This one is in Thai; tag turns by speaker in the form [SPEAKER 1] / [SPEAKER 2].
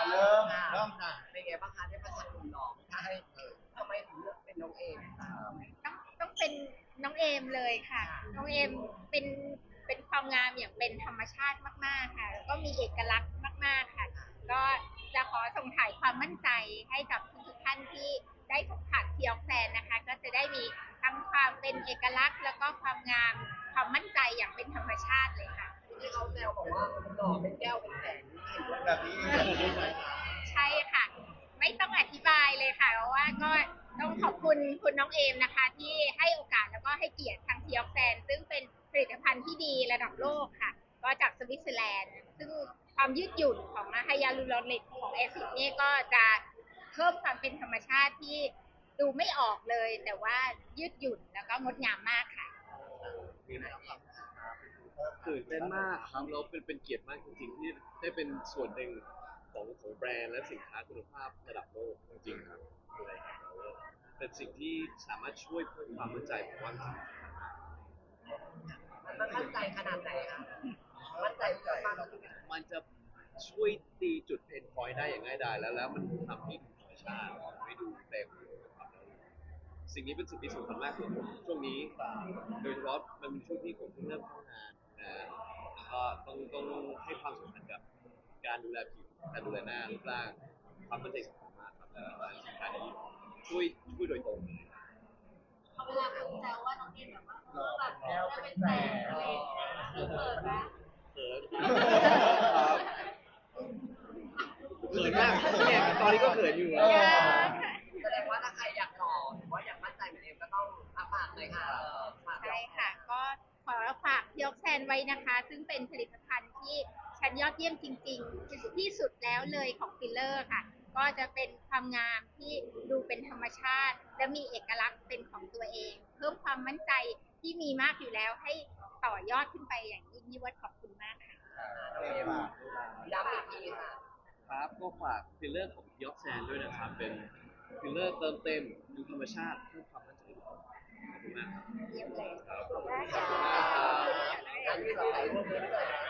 [SPEAKER 1] เริ่มค่ะ
[SPEAKER 2] เป็นไงบ้างคะได้ประชันหนุ่มหล่อใช่ทำไมถึงเลือกเป็นน้องเอม
[SPEAKER 3] ต้องเป็นน้องเอมเลยค่ะน้องเอมเป็นเป็นความงามอย่างเป็นธรรมชาติมากๆค่ะแล้วก็มีเอกลักษณ์มากๆค่ะก็จะขอส่งถ่ายความมั่นใจให้กับทุกๆท่านที่ได้สัมผัสทีออกแซนนะคะก็จะได้มีทั้งความเป็นเอกลักษณ์แล้วก็ความงามความมั่นใจอย่างเป็นธรรมชาติเลยค่ะ
[SPEAKER 2] ที่เขาแซวบอกว่าหล่อเป็นแก้วเป็นแสนเห็นด้วย
[SPEAKER 1] แบบนี้ไหม
[SPEAKER 3] ใช่ค่ะไม่ต้องอธิบายเลยค่ะเพราะว่าก็ต้องขอบคุณคุณน้องเอมนะคะที่ให้โอกาสแล้วก็ให้เกียรติทางทีออกแซนซึ่งเป็นผลิตภัณฑ์ที่ดีระดับโลกค่ะก็จากสวิตเซอร์แลนด์ซึ่งความยืดหยุ่นของไฮยาลูรอนิกของแอซิดนี่ก็จะเพิ่มความเป็นธรรมชาติที่ดูไม่ออกเลยแต่ว่ายืดหยุ่นแล้วก็งดงามมากค่ะ
[SPEAKER 4] มีนะครับตื่นเต้นมากครับเราเป็นเกียรติมากจริงๆที่ได้เป็นส่วนหนึ่งของแบรนด์และสินค้าคุณภาพระดับโลกจริงๆครับอะไรครับเป็นสิ่งที่สามารถช่วยเพิ่มความมั่นใจผมว่าจริง
[SPEAKER 2] มันมั่นใจขนาดไหนคะมั่นใจมากๆ
[SPEAKER 4] มันจะช่วยตีจุดเพนพอยต์ได้อย่างง่ายดายแล้วมันทำให้ดูธรรมชาติไม่ดูเต็มครับสิ่งนี้เป็นสิ่งที่สำคัญมากคือผมช่วงนี้โดยเฉพาะมันเป็นช่วงที่ผมเพิ่งเริ่มเข้างานนะก็ต้องให้ความสำคัญกับการดูแลผิวการดูแลหน้ารูปร่างความมั่นใจสำคัญมากครับและสินค้านี้ช่วยโดยตรงเลย
[SPEAKER 3] เขาเวลาแบบแซวว่าน้องเอมแบบว่าแบบ
[SPEAKER 1] แก้ว
[SPEAKER 3] จะ
[SPEAKER 1] เป็น
[SPEAKER 3] เป็น
[SPEAKER 1] แส
[SPEAKER 3] แสน
[SPEAKER 1] น
[SPEAKER 3] อะไรอย่างเงี้ยคือเปิดนะ
[SPEAKER 4] เขินครับเขินมากเนี่ยตอนนี้ก็เขินอยู่
[SPEAKER 2] แสดงว่าถ้าใครอยากหล่อหรือว่าอยากมั่นใจเหมือนเอมก็ต้องฝากเลยค่ะฝาก
[SPEAKER 3] ใช่ค่ะก็ขอฝากยกแซนไว้นะคะซึ่งเป็นผลิตภัณฑ์ที่ชั้นยอดเยี่ยมจริงๆที่สุดแล้วเลยของฟิลเลอร์ค่ะก็จะเป็นความงามที่ดูเป็นธรรมชาติและมีเอกลักษณ์เป็นของตัวเองเพิ่มความมั่นใจที่มีมากอยู่แล้วให้ต่อยอดขึ้นไปอย่างยิ่งยวดขอบคุณมากค่ะ
[SPEAKER 2] น้องเอมย้ำอีกทีค่ะ
[SPEAKER 4] ครับก็ฝากฟิลเลอร์ของยอกแซนด้วยนะครับเป็นฟิลเลอร์เติมเต็มดูธรรมชาติเพิ่มความมั่นใจขอบคุณมากครับ
[SPEAKER 3] เยี่ยมเลย
[SPEAKER 4] ครับขอบคุณ
[SPEAKER 3] ได้
[SPEAKER 4] ครั
[SPEAKER 3] ค่ะ
[SPEAKER 4] บ
[SPEAKER 2] งั้นมีสายร่วมด้วย